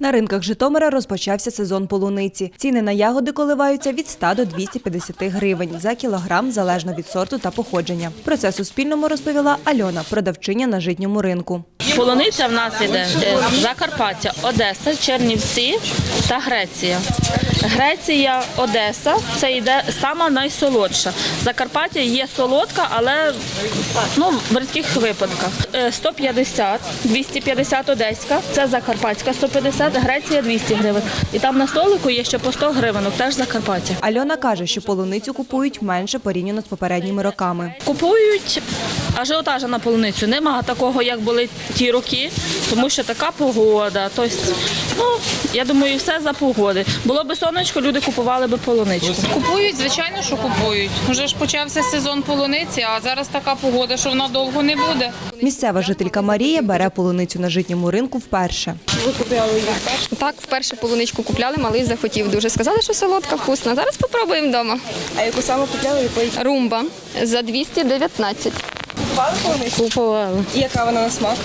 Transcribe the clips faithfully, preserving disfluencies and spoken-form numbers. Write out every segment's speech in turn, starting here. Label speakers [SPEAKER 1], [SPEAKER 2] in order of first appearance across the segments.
[SPEAKER 1] На ринках Житомира розпочався сезон полуниці. Ціни на ягоди коливаються від ста до двохсот п'ятдесяти гривень за кілограм, залежно від сорту та походження. Про це Суспільному розповіла Альона, продавчиня на житньому ринку.
[SPEAKER 2] Полуниця в нас іде Закарпаття, Одеса, Чернівці та Греція. Греція, Одеса – це йде сама найсолодша. Закарпаття є солодка, але ну, в рідких випадках. сто п'ятдесят, двісті п'ятдесят одеська, це Закарпатська сто п'ятдесят, Греція двісті гривень. І там на столику є ще по сто гривень, теж Закарпаття.
[SPEAKER 1] Альона каже, що полуницю купують менше порівняно з попередніми роками.
[SPEAKER 2] Купують ажіотажа на полуницю. Нема такого, як були ті роки, тому що така погода. Тобто, ну, я думаю, все за погоди. Було б сонечко, люди купували б полуничку.
[SPEAKER 3] Купують, звичайно, що купують. Вже ж почався сезон полуниці, а зараз така погода, що вона довго не буде.
[SPEAKER 1] Місцева жителька Марія бере полуницю на житньому ринку вперше.
[SPEAKER 4] Ви купляли її вперше? Так, вперше полуничку купляли, малий захотів дуже. Сказали, що солодка, вкусна. Зараз спробуємо вдома. А яку саме купляли? Якої? Румба за двісті дев'ятнадцять.
[SPEAKER 5] Купували полуницю?
[SPEAKER 6] Купувала.
[SPEAKER 5] І яка вона на смак?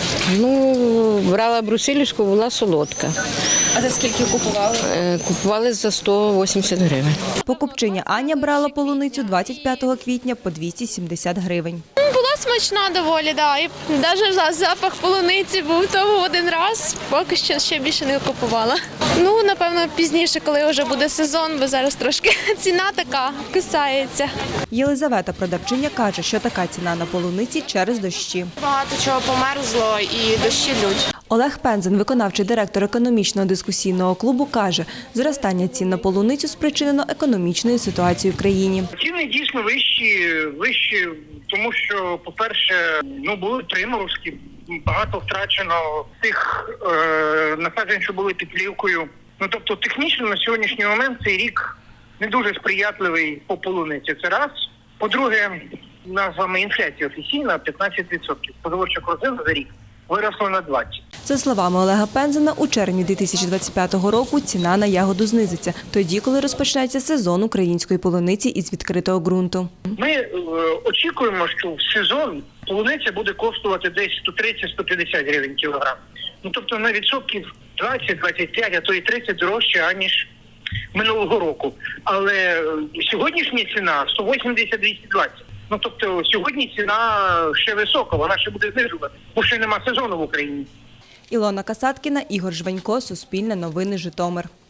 [SPEAKER 6] Ну, брала брусилівську, була солодка.
[SPEAKER 5] А за скільки купували?
[SPEAKER 6] Е, Купували за сто вісімдесят гривень.
[SPEAKER 1] Покупчиня Аня брала полуницю двадцять п'ятого квітня по двісті сімдесят гривень.
[SPEAKER 7] Була смачна доволі, да. І навіть запах полуниці був того один раз, поки що ще більше не купувала. Ну, напевно, пізніше, коли вже буде сезон, бо зараз трошки ціна така кусається.
[SPEAKER 1] Єлизавета, продавчиня, каже, що така ціна на полуниці через дощі.
[SPEAKER 8] Багато чого померзло і дощі лють.
[SPEAKER 1] Олег Пензен, виконавчий директор економічного дискусійного клубу, каже, зростання цін на полуницю спричинено економічною ситуацією в країні.
[SPEAKER 9] Ціни дійсно вищі, вищі, тому що, по-перше, ну були приморозки, багато втрачено тих е, насаджень, що були під плівкою. Ну тобто, технічно на сьогоднішній момент цей рік не дуже сприятливий по полуниці. Це раз. По-друге, у нас з вами інфляція офіційна п'ятнадцять відсотків. Споживча корзина за рік виросла на двадцять відсотків.
[SPEAKER 1] За словами Олега Пензена, у червні дві тисячі двадцять п'ятого року ціна на ягоду знизиться, тоді, коли розпочнеться сезон української полуниці із відкритого ґрунту.
[SPEAKER 9] Ми е, очікуємо, що в сезон полуниця буде коштувати десь сто тридцять - сто п'ятдесят гривень кілограм. Ну, тобто на відсотків двадцять - двадцять п'ять, а то і тридцять дорожче, аніж минулого року. Але е, сьогоднішня ціна сто вісімдесят - двісті двадцять. Ну, тобто сьогодні ціна ще висока, вона ще буде знижувати, бо ще нема сезону в Україні.
[SPEAKER 1] Ілона Касаткіна, Ігор Жванько, Суспільне новини, Житомир.